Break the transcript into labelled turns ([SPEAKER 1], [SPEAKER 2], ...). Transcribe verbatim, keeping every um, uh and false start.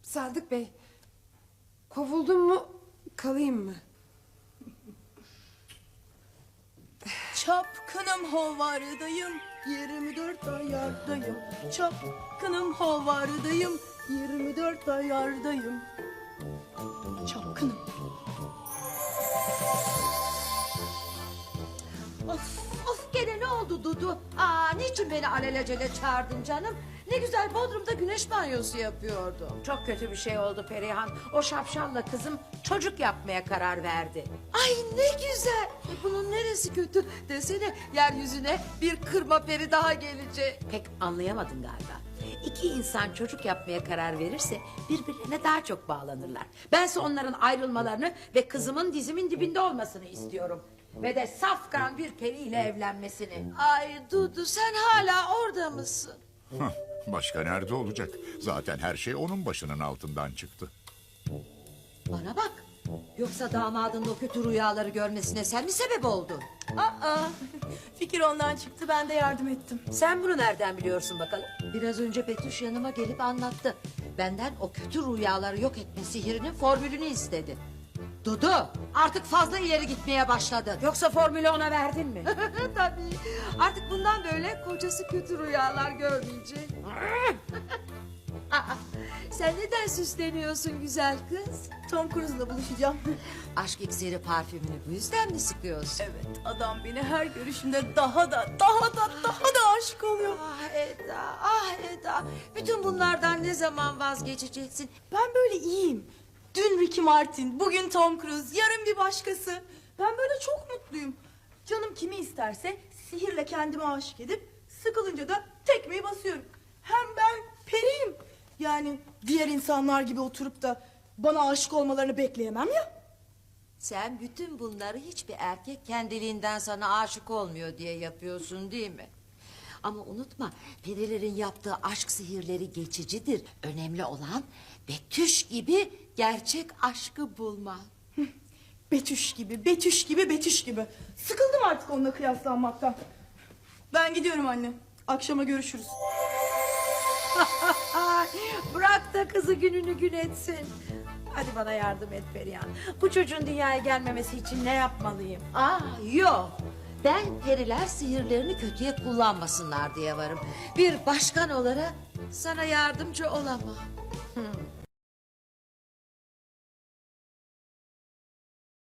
[SPEAKER 1] Sadık Bey, kovuldum mu, kalayım mı?
[SPEAKER 2] Çapkınım hovardayım, yirmi dört ayardayım. Çapkınım hovardayım, yirmi dört ayardayım. Çapkınım.
[SPEAKER 3] Of of gene ne oldu Dudu? Aa niçin beni alelacele çağırdın canım? Ne güzel Bodrum'da güneş banyosu yapıyordum.
[SPEAKER 4] Çok kötü bir şey oldu Perihan. O şapşalla kızım çocuk yapmaya karar verdi.
[SPEAKER 3] Ay ne güzel. Ay, bunun neresi kötü? Desene yeryüzüne bir kırma peri daha gelecek.
[SPEAKER 4] Pek anlayamadın galiba. İki insan çocuk yapmaya karar verirse birbirlerine daha çok bağlanırlar. Bense onların ayrılmalarını ve kızımın dizimin dibinde olmasını istiyorum. Ve de safkan bir periyle evlenmesini.
[SPEAKER 3] Ay Dudu sen hala orada mısın?
[SPEAKER 5] Hah, başka nerede olacak? Zaten her şey onun başının altından çıktı.
[SPEAKER 3] Bana bak. Yoksa damadın o kötü rüyaları görmesine sen mi sebep oldun?
[SPEAKER 2] Aa, fikir ondan çıktı, ben de yardım ettim.
[SPEAKER 4] Sen bunu nereden biliyorsun bakalım?
[SPEAKER 3] Biraz önce Betüş yanıma gelip anlattı. Benden o kötü rüyaları yok etme sihirinin formülünü istedi. Dudu artık fazla ileri gitmeye başladı.
[SPEAKER 4] Yoksa formülü ona verdin mi?
[SPEAKER 3] Tabii artık bundan böyle kocası kötü rüyalar görmeyecek. Aa, sen neden süsleniyorsun güzel kız?
[SPEAKER 2] Tom Cruise'la buluşacağım.
[SPEAKER 3] Aşk iksiri parfümünü bu yüzden mi sıkıyorsun?
[SPEAKER 2] Evet, adam beni her görüşümde daha da, daha da, daha da aşık oluyor.
[SPEAKER 3] Ah Eda, ah Eda. Bütün bunlardan ne zaman vazgeçeceksin?
[SPEAKER 2] Ben böyle iyiyim. Dün Ricky Martin, bugün Tom Cruise, yarın bir başkası. Ben böyle çok mutluyum. Canım kimi isterse sihirle kendime aşık edip sıkılınca da tekmeyi basıyorum. Hem ben periyim. Yani diğer insanlar gibi oturup da bana aşık olmalarını bekleyemem ya.
[SPEAKER 3] Sen bütün bunları hiçbir erkek kendiliğinden sana aşık olmuyor diye yapıyorsun değil mi? Ama unutma perilerin yaptığı aşk sihirleri geçicidir. Önemli olan Betüş gibi gerçek aşkı bulmak.
[SPEAKER 2] Betüş gibi, Betüş gibi, Betüş gibi. Sıkıldım artık onunla kıyaslanmaktan. Ben gidiyorum anne. Akşama görüşürüz.
[SPEAKER 4] Ay, bırak da kızı gününü gün etsin. Hadi bana yardım et Perihan. Bu çocuğun dünyaya gelmemesi için ne yapmalıyım?
[SPEAKER 3] Aa yok. Ben periler sihirlerini kötüye kullanmasınlar diye varım. Bir başkan olarak sana yardımcı olamam.
[SPEAKER 4] Hmm.